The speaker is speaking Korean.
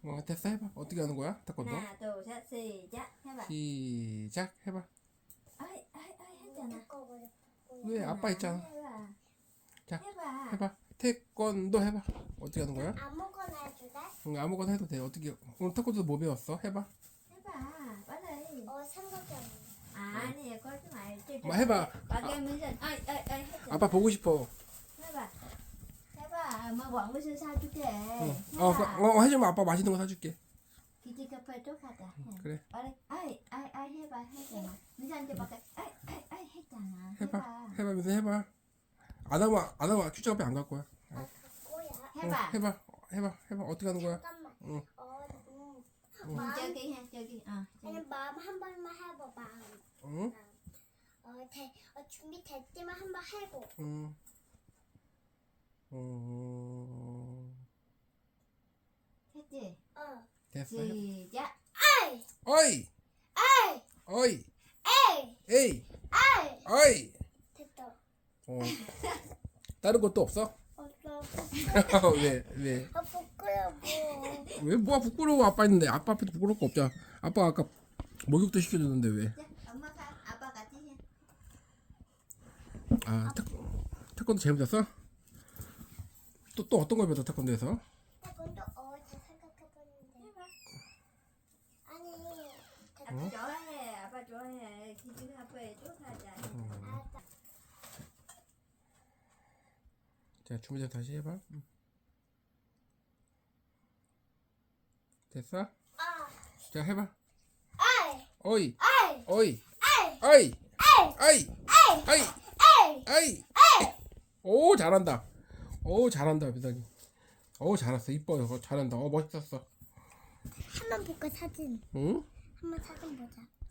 됐어. 해봐. 어떻게 하는 거야? 태권도. 하나, 둘, 셋, 시작. 해봐. 시작. 해봐. 아이, 했잖아. 왜? 아빠 있잖아. 해봐. 자, 해봐. 해봐. 태권도 해봐. 어떻게 하는 거야? 아무거나 해도 돼? 응, 아무거나 해도 돼. 어떻게? 오늘 태권도 뭐 배웠어? 해봐. 해봐. 빨리. 삼각형. 아니, 그러지 말지. 뭐 해봐. 가게면서 했잖아. 아빠 보고 싶어. 해봐. 해봐. 뭐 왕무슨 사줄게. 응. 해주면 아빠 맛있는 거 사줄게. 기지개팔 쪽 하자. 그래. 빨리. 해봐. 했잖아. 민서한테 밖에 했잖아. 해봐. 해봐. 민서 해봐. 안 하면 큐즈 앞에 안 갈 거야. 뭐야? 해봐. 해봐. 어떻게 하는 거야? 잠깐만. 응. 저기. 아니 마음 한 번만 해봐 마음. 응? 준비 될 때만 한번 해보. 응. 했지? 됐어. 시작. 아이 어이. 아이 어이. 에이 에이. 아이 어이. 됐다. 다른 것도 없어? 없어. 왜? 부끄러워. 왜 뭐가 부끄러워? 아빠 있는데. 아빠 앞에도 부끄러울 거 없잖아. 아빠 아까 목욕도 시켜줬는데 왜? 자, 엄마가 아빠 같이 해. 태권도 재밌었어? 또 어떤 걸 배웠어? 태권도에서? 나 먼저 잘 생각해봤는데. 해봐. 아니 아빠 좋아해. 아빠 좋아해. 기준 아빠에 쫓아자. 알았다. 자, 준비돼 다시 해봐. 됐어? 자, 해봐. 아이 어이. 아이 어이. 아이 어이. 아이 어이. 어이. 에이 어이. 오, 잘한다. 오, 잘한다, 비단이. 오, 잘했어. 이뻐요. 잘한다. 멋있었어. 한번 볼까 사진. 응? 한번 사진 보자.